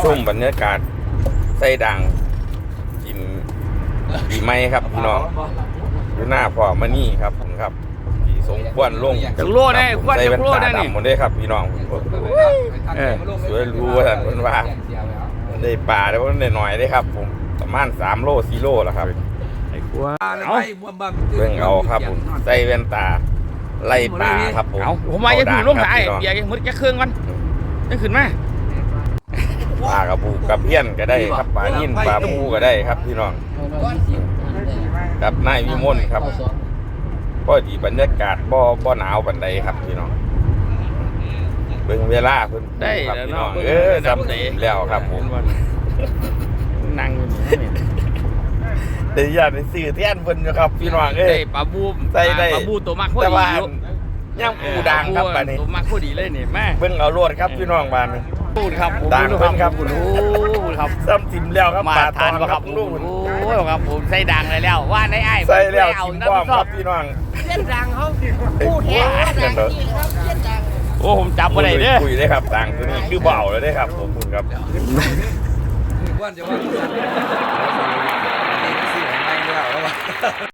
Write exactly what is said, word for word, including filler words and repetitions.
ชมบรรยากาศไส้ดังกินดีไหมครับพี่น้องดูหน้าพ่อมานี่ครับผมครับที่สงควนลงจักโลได้ควนใส่จัแว่กนโลตาได้นี่ดำหมดเลยครับพี่น้องเออสวยรู้ว่าท่านคนว่าได้ปลาได้ว่าได้หน่อยได้ครับผมประมาณสามโลสี่โลแล้วครับไอ้กลัวเอาเบิ่งเอาครับผมใส่แว่นตาไล่ปลาครับผมเอาผมมาจะถึงลงสายเบียร์ยังมืดแค่เครื่องกันยังขึ้นมาปลากระปูกระเพี้ยนก็ได้ครับปลานิ่นปลาปูก็ได้ครับพี่น้องกับนายวิมลครับก็ดีบรรยากาศบ่บ่หนาวปานใดครับพี่น้องเบิ่งเวลาเพิ่นได้ครับแล้วพี่น้อเนาะงเออจำได้แล้วครับผมนั่งอยู่นี่ได้ญาติได้ซื้อแทนเพิ่นอยู่ครับพี่น้องเอ้ได้ยปลาบูมใส่ได้ปลาบูตัวมักพอแต่ดีว่าอยู่ย่างปูดังครับบัดนี้ตัวมักพอดีเลยนี่แม่เบิ่งเอาโลดครับพี่น้องบ้านนี้พูดครับผมดังเพิ่นครับโอ้ครับซ้ำทิมแล้วครับมาปลาทานตบ่อนครับลูกโอ้ยครับผมใส่ดังเลยแล้วว่าได้ไอ้ใส่แล้วเอาทิมน้ำพร้อมชคอรับบพี่น้องเส้นดังเขาพูดแท้กันเด้อเส้นดังโอ้ผมจับมาได้เด้อคุยได้ครับดังตัวนี้คือเบาเลยได้ครับผมคุณครับว่าจะว่า